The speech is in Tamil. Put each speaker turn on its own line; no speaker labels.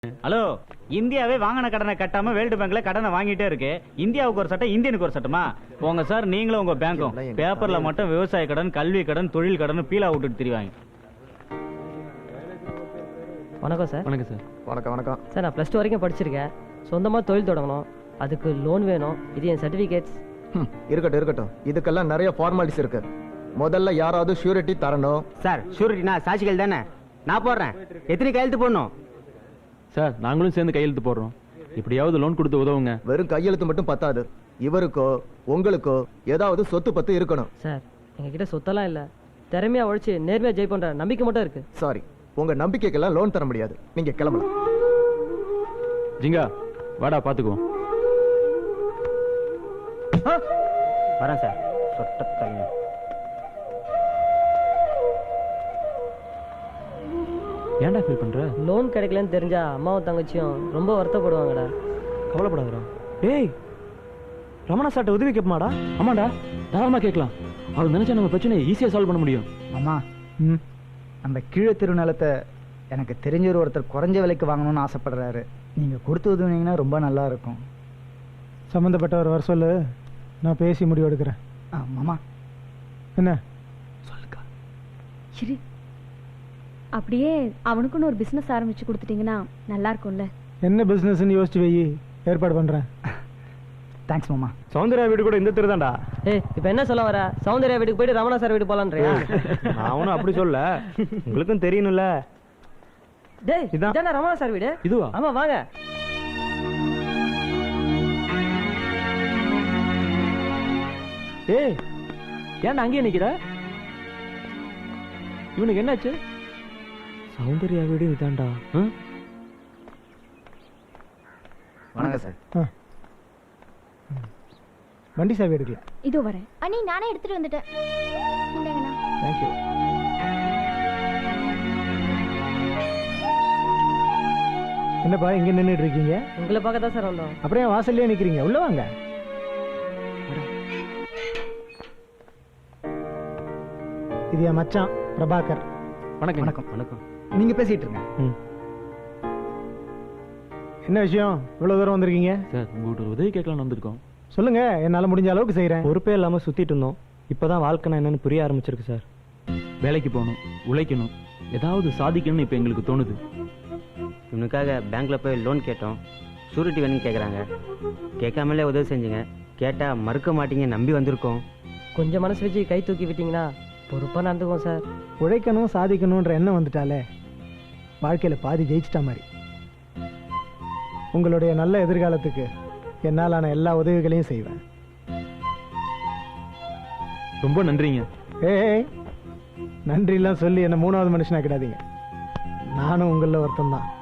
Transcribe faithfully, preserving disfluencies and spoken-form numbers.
ஹலோ, இந்தியாவே வாங்கின கடனை கட்டாம வேர்ல்டு பேங்க்ல கடனை வாங்கிட்டே இருக்கு. இந்தியாவுக்கு ஒரு சட்டம், இந்தியனுக்கு ஒரு சட்டமா? போங்க சார், நீங்களும் உங்க பேங்க்கும் பேப்பர்ல மட்டும் விவசாய கடன், கல்வி கடன், தொழில் கடன் பீலா விட்டுட்டு தெரிவாங்க.
வணக்கம் சார்.
வணக்கம் சார்.
வணக்கம் வணக்கம் சார். நான் ப்ளஸ் டூ வரைக்கும் படிச்சிருக்கேன். சொந்தமாக தொழில் தொடங்கணும், அதுக்கு லோன் வேணும். இது என் சர்டிஃபிகேட்ஸ்.
இருக்கட்டும் இருக்கட்டும், இதுக்கெல்லாம் நிறைய ஃபார்மாலிட்டிஸ் இருக்கு. முதல்ல யாராவது ஷூரிட்டி தரணும்.
சார், ஷூரிட்டினா சாட்சிகள் தானே? நான் போடுறேன். எத்தனை கையெழுத்து போடணும்?
சார், நாங்களும் சேர்ந்து கையெழுத்து போடுறோம். இப்படியாவது லோன் கொடுத்து உதவுங்க.
வெறும் கையெழுத்து மட்டும் பத்தாது. இவருக்கோ உங்களுக்கோ ஏதாவது சொத்து பத்து இருக்கணும்.
சார், எங்ககிட்ட சொத்தெல்லாம் இல்லை. திறமையா உழைச்சி நேர்மையா ஜெய் பண்ற நம்பிக்கை மட்டும் இருக்கு.
சாரி, உங்க நம்பிக்கைக்கெல்லாம் லோன் தர முடியாது. நீங்க கிளம்பலாம்.
ஜிங்கா, வாடா பாத்துக்குவோம்.
வரேன் சார். சொட்ட
ஏன்டா ஃபீல் பண்ற?
லோன் கிடைக்கலன்னு தெரிஞ்சா அம்மாவும் தங்கச்சியும் ரொம்ப வருத்தப்படுவாங்கடா.
கவலைப்படாதடா. டேய், ரமணா சார்ட்ட உதவி கேட்பாடா? ஆமாடா, தாராளமா கேட்கலாம். அவர் நினைச்சா நம்ம பிரச்சனையை ஈஸியா சால்வ் பண்ண முடியும்.
அம்மா, ம் நம்ம கீழே தெரு நிலத்தை எனக்கு தெரிஞ்ச ஒருத்தர் குறைஞ்ச விலைக்கு வாங்கணும்னு ஆசைப்படுறாரு. நீங்கள் கொடுத்து உதவுனீங்கன்னா ரொம்ப நல்லா இருக்கும்.
சம்மந்தப்பட்டவர் வர சொல்லு, நான் பேசி முடிவு எடுக்கிறேன்.
ஆ மாமா,
என்ன
சொல்லுக்கா?
சரி, அப்படியே அவனுக்குன்னு ஒரு பிஸ்னஸ் ஆரம்பிச்சு கொடுத்துட்டீங்கன்னா நல்லா இருக்கும்ல.
என்ன பிஸ்னஸ்ன்னு யோசிச்சு வை, ஏற்பாடு பண்ணுறேன்.
தேங்க்ஸ் மாமா.
சௌந்தர்யா வீடு கூட இந்த தெரு தான்டா.
ஏய், இப்போ என்ன சொல்ல வர? சௌந்தர்யா வீட்டுக்கு போயிட்டு ரமணா சார் வீடு போலான்றியா?
நான் ஒன்றும் அப்படி சொல்ல, உங்களுக்கும் தெரியணும்ல.
டேய்,
இதான்.
இதானே ரமணா சார் வீடு?
இதுவா?
ஆமா, வாங்க.
ஏய், ஏன்டா அங்கேயே நிக்கிற? இவனுக்கு என்னாச்சு? சௌந்தர்யா வீடு இதான்டா.
வணக்கம் சார்.
வண்டி சாவி எடுக்கலாம்.
இதோ வரேன். அண்ணி, நானே எடுத்துட்டு வந்துட்டேன். இந்தாங்கண்ணா.
தேங்க்யூ. என்னப்பா இங்க நின்றுட்டு இருக்கீங்க?
உங்களை பார்க்க தான் சார் வந்தோம்.
அப்புறம் ஏன் வாசல்லே நிக்கிறீங்க? உள்ள வாங்க. இது என் மச்சான் பிரபாகர்.
வணக்கம்.
வணக்கம்.
வணக்கம்.
நீங்கள் பேசிட்டு இருங்க.
என்ன விஷயம் இவ்வளவு தூரம் வந்திருக்கீங்க?
சார், உங்கள்கிட்ட ஒரு உதவி கேட்கலாம்னு வந்திருக்கோம்.
சொல்லுங்க, என்னால முடிஞ்ச அளவுக்கு செய்யறேன்.
பொறுப்பே இல்லாம சுத்திட்டு இருந்தோம். இப்பதான் வாழ்க்கைனா என்னன்னு புரிய ஆரம்பிச்சிருக்கு சார்.
வேலைக்கு போகணும், உழைக்கணும், ஏதாவது சாதிக்கணும்னு இப்போ எங்களுக்கு தோணுது.
இவனுக்காக பேங்க்ல போய் லோன் கேட்டோம். ஷூரிட்டி வேணும்னு கேட்குறாங்க. கேட்காமலே உதவி செஞ்சுங்க. கேட்டால் மறுக்க மாட்டீங்க, நம்பி வந்திருக்கோம்.
கொஞ்சம் மனசு வச்சு கை தூக்கி விட்டீங்கன்னா பொறுப்பா நடந்துக்குவோம் சார்.
உழைக்கணும், சாதிக்கணும்ன்ற எண்ணம் வந்துட்டாலே வாழ்க்கையில பாதி ஜெயிச்சிட்டா மாதிரி. உங்களுடைய நல்ல எதிர்காலத்துக்கு என்னாலான எல்லா உதவிகளையும் செய்வேன்.
ரொம்ப நன்றிங்க.
ஏய், நன்றி எல்லாம் சொல்லி என்ன மூணாவது மனுஷனாக்கிடாதீங்க. நானும் உங்கள ஒருத்தன் தான்.